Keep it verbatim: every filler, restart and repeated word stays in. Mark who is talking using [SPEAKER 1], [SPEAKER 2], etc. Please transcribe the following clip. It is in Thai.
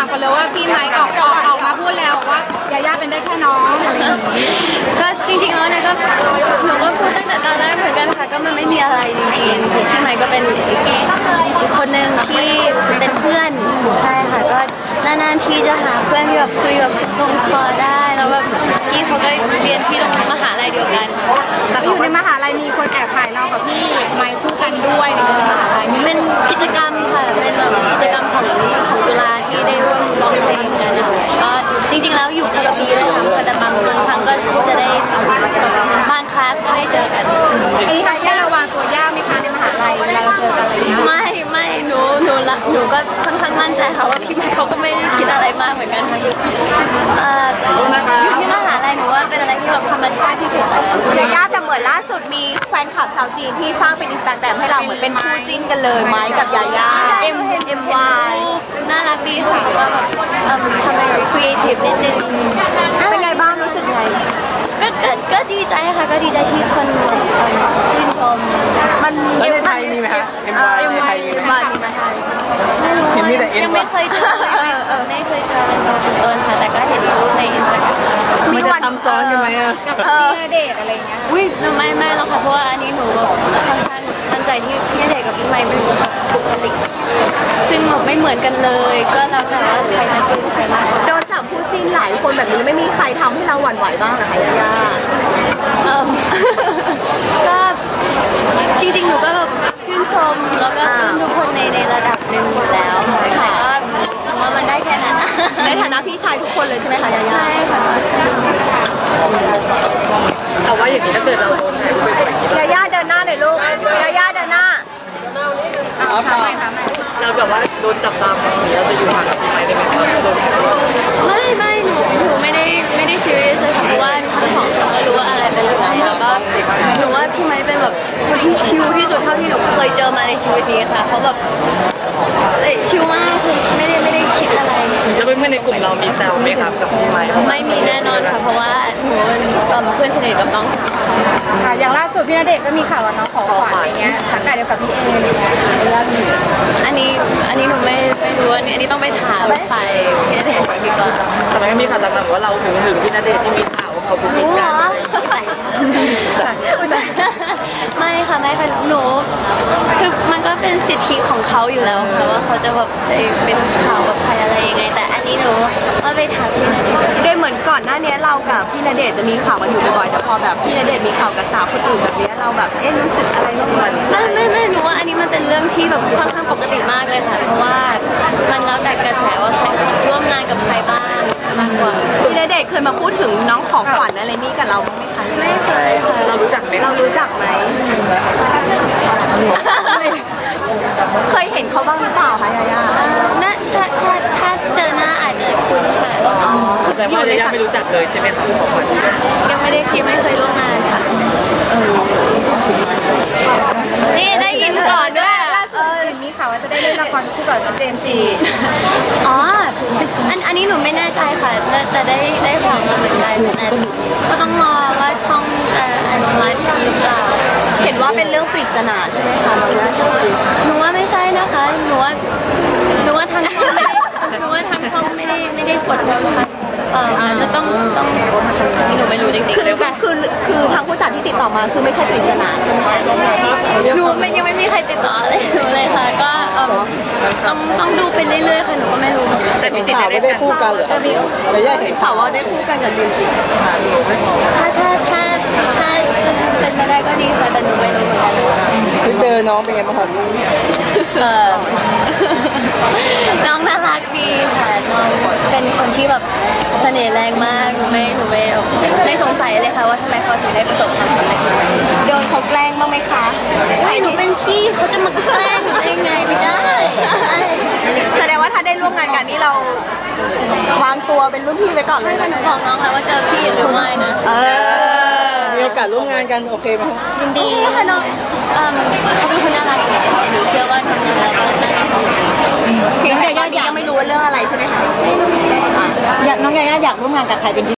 [SPEAKER 1] ามกันเลยว่าพี่ไมค์ออกออกออกมาพูดแล้วว่ายาย่าเป็นได้แค่น้องอะไรอย่างนี้
[SPEAKER 2] ก็จริงๆแล้วเนี่ยก็หนูก็พูดตั้งแต่ตอนแรกเหมือนกันค่ะก็มันไม่มีอะไรจริงๆพี่ไมค์ก็เป็นอีกคนหนึ่งที่เป็นเพื่อนใช่ค่ะก็นานๆทีจะหาเพื่อนที่แบบคุยแบบลงคอได้แล้วแบบพี่เขาก็เรียนที่โรงมหาลัยเดียวกัน
[SPEAKER 1] แต่อยู่ในมหาลัยมีคนแอบถ่ายเรากับพี่ไมค์คู่กันด้วยอะไรอย่างเงี้ยในมหาลัยมี
[SPEAKER 2] เป็นกิจกรรมค่ะเป็นแบบกิจกรรมของของจุฬาที่ได้ร่วมร้องเพลงกันนะคะก็จริงๆแล้วอยู่คนละปีเลยค่ะแต่บางบางครั้งก็จะได้บางคลาสก็ได้เจอกัน
[SPEAKER 1] ไอ้ทางแค่ระวังตัวยากไหมคะในมหาลัยเวลาเราเจอกันอะไรเงี้ย
[SPEAKER 2] ไม่ไม่หนูหนูละหนูก็ค่อนข้างมั่นใจค่ะว่าพี่ไมค์เขาก็ไม่ได้คิดอะไรมากเหมือนกันค่ะเอ่ออยู่ที่มหาลัยหนูว่าเป็นอะไรที่แบบธรรมชาติที่สุด
[SPEAKER 3] ยาย่าแต่เหมือนล่าสุดมีแฟนคลับชาวจีนที่สร้างเป็นอินสตาแกรมให้เราเหมือนเป็นคู่จิ้นกันเลยไม้กับยาย่า M M Y
[SPEAKER 2] น่ารักดีค่ะว่าแบบทำอะไรครีเอทีฟนิดนึง
[SPEAKER 3] เป็นไงบ้างรู้สึกไง
[SPEAKER 2] ก็ก็ก็ดีใจค่ะก็ดีใจที่คนชื่นชม
[SPEAKER 4] มันในไทยมีไหมคะ M Y ในไทยมีไหม
[SPEAKER 2] มีในไทย
[SPEAKER 4] เห็นมีแต่ M
[SPEAKER 2] ยังไม่เคยเจอไม่เคยเจอเป็นตัวเป็นตนค่ะแต่ก็เห็นรูปในอินสตาแกรม
[SPEAKER 4] มันจะซ้ำซ้อนกันไหมอะ
[SPEAKER 1] กับพี่ณเดชน์อะไรเงี้ย
[SPEAKER 2] อุ้ยไม่ไม่หรอกค่ะเพราะว่าอันนี้หนูแบบค่อนข้างมั่นใจที่พี่ณเดชน์กับพี่ไมค์เป็นบุคลิกซึ่งแบบไม่เหมือนกันเลยก็แล้วแต่ว่าใครจะเป็นใครมาก
[SPEAKER 3] โดนจับคู่จิ้นหลายคนแบบนี้ไม่มีใครทำให้เราหวั่นไหวบ้างเหรอคะยาย่า
[SPEAKER 2] เออก็จริงๆหนูก็แบบชื่นชมแล้วก็ชื่นทุกคนในในระดับหนึ่งอยู่แล้วค่ะก็ว่ามันได้แค่นั้นนะ
[SPEAKER 3] ในฐานะพี่ชายทุกคนเลยใช่ไหมคะยาย่า
[SPEAKER 2] ใช่ค่ะ
[SPEAKER 4] เอาว่าอย่างนี้ถ้าเกิดเราโดน
[SPEAKER 3] ยาย่าเดินหน้าหน่อยลูกยาย่าเดินหน้า
[SPEAKER 1] เอาทำไมทำไม
[SPEAKER 4] เราแบบว่าโดนจับตามองเราจะอยู่ห่างกับพี่ไมค์ได้ไหมครับ
[SPEAKER 2] ไม่ไม่หนูหนูไม่ได้ไม่ได้ซีเรียสเลยค่ะเพราะว่าทั้งสองคนก็รู้ว่าอะไรเป็นอะไรแล้วก็หนูว่าพี่ไมค์เป็นแบบคนที่ชิลที่สุดเท่าที่หนูเคยเจอมาในชีวิตนี้ค่ะเขาแบบชิลมากคือไม่ได้ไม่ได้คิดอะไร
[SPEAKER 4] แล้วเพื่อนในกลุ่มเรามีแซวไหมครับกับพี่ไมค์
[SPEAKER 2] ไม่มีแน่นอนค่ะเพราะว่าหนูเป็นเพื่อนสนิทกับน้อง
[SPEAKER 1] ค่ะอย่างล่าสุดพี่ณเดชน์ก็มีข่าวว่าน้องขอขวัญอะไรเงี้ยสังกัดเดียวกับพี่เออะไรเงี้ย
[SPEAKER 2] อันนี้อันนี้หนูไม่ไม่รู้อันนี้อันนี้ต้องไปถามใครพี่ณเดชน์ดีกว่า
[SPEAKER 4] ทำไมก็มีข่าวต่างๆว่าเราถึงถึงพี่ณเดชน์ที่มีข่าวเขาพูดกัน
[SPEAKER 2] ไม่ค่ะไม่ค่ะหนูคือมันก็เป็นสิทธิของเขาอยู่แล้วแต่ว่าเขาจะแบบเป็นข่าวกับใครอะไรยังไงแต่อันนี้หนูว่าไปถามพี่ณเดชน์
[SPEAKER 3] โดยเหมือนก่อนหน้านี้เรากับพี่ณเดชน์จะมีข่าวกันอยู่บ่อยๆแต่พอแบบพี่ณเดชน์มีข่าวกับสาวคนอื่นแบบนี้เราแบบเอ๊ะรู้สึกอะไรบ้างไหม
[SPEAKER 2] ไม่ไม่ไม่หนูว่าอันนี้มันเป็นเรื่องที่แบบค่อนข้างปกติมากเลยค่ะเพราะว่ามันแล้วแต่กระแสว่าใครร่วมงานกับใครบ้างมากกว่า
[SPEAKER 3] พี่ณเดชน์เคยมาพูดถึงน้องของขวัญอะไรนี่กับเราไหมคะ
[SPEAKER 2] ไม่เคยค่ะ
[SPEAKER 4] เรารู้จักไหม
[SPEAKER 3] เรารู้จักไหมเคยเห็นเขาบ้างหรือเปล่าคะยาย่า
[SPEAKER 2] น่าถ้าถ้าถ้าเจอหน้าอาจจะคุ้นค่ะ
[SPEAKER 4] แต่ว่ายาย่าไม่รู้จักเลยใช่ไหมครับของขวัญ
[SPEAKER 2] ยังไม่ได้คิดไม่เคยร่วมงานค่ะนี่ได้ยินก่อนด้วย
[SPEAKER 1] ล่าสุดเห็นมีข่าวว่าจะได้เล่นละครคู่กับเจมส์จี
[SPEAKER 2] อ๋ออันอันนี้หนูไม่แน่ใจค่ะแต่ได้ได้ข่าวมาเหมือนกันแต่ก็ต้องรอว่าช่องจะอนุมัติหรือเปล่า
[SPEAKER 3] เห็นว่าเป็นเรื่องปริศนาใช่ไหมคะเราว่าใช่
[SPEAKER 2] หนูว่าไม่ใช่นะคะหนูว่าหนูว่าทางช่องไม่ได้หนูว่าทางช่องไม่ได้ไม่ได้กดดันค่ะเอออาจจะต้องต้องที่หนูไม่รู้จริงๆ
[SPEAKER 3] คือคือคือทางผู้จัดที่ติดต่อมาคือไม่ใช่ปริศนาใช่ไหม
[SPEAKER 2] หนูไม่ยังไม่มีใครติดต่ออะไรหนูเลยค่ะก็ต้องต้องดูไปเรื่อยๆค่ะหนูก็ไม่รู้
[SPEAKER 4] แต่มีข่าวไม่ได้คู่กันเหรอ
[SPEAKER 3] ระยะเห็นข่าวว่าได้คู่กันกับจินจิ
[SPEAKER 2] ถ้าถ้าถ้าถ้าเป็นไปได้ก็ดีค่ะแต่หนูไม่รู้เหมือนกัน
[SPEAKER 4] เจอน้องเป็นไงบ้างครับ
[SPEAKER 2] เออน้องน่ารักดีค่ะน้องเป็นคนที่แบบเสน่ห์แรงมากหนูไม่หนูไม่ไม่สงสัยเลยค่ะว่าทำไมเขาถึงได้ประสบความสำเร็จ
[SPEAKER 3] โดนเขาแกล้งบ้างไหมคะ
[SPEAKER 2] ไม่หนูเป็นพี่เขาจะมาแกล้งหนูได้ไงไม่ได้
[SPEAKER 3] แสดงว่าถ้าได้ร่วมงานกันนี้เราวางตัวเป็นรุ่นพี่ไว้ก่อนเลย
[SPEAKER 2] หนูบอกน้องค่ะว่าเจอพี่หรือไม่นะ
[SPEAKER 3] เออ
[SPEAKER 4] มีโอกาสร่วมงานกันโอเคไหม
[SPEAKER 2] ยินดีค่ะน้องเขาเป็นคนน่ารักหนูเชื่อว่าทำงานแล้วก็น่ารัก
[SPEAKER 3] เพียงแต่ยังไม่รู้ว่าเรื่องอะไรใช่ไหมคะ
[SPEAKER 2] น้องยาย่าอยากร่วมงานกับใครเป็น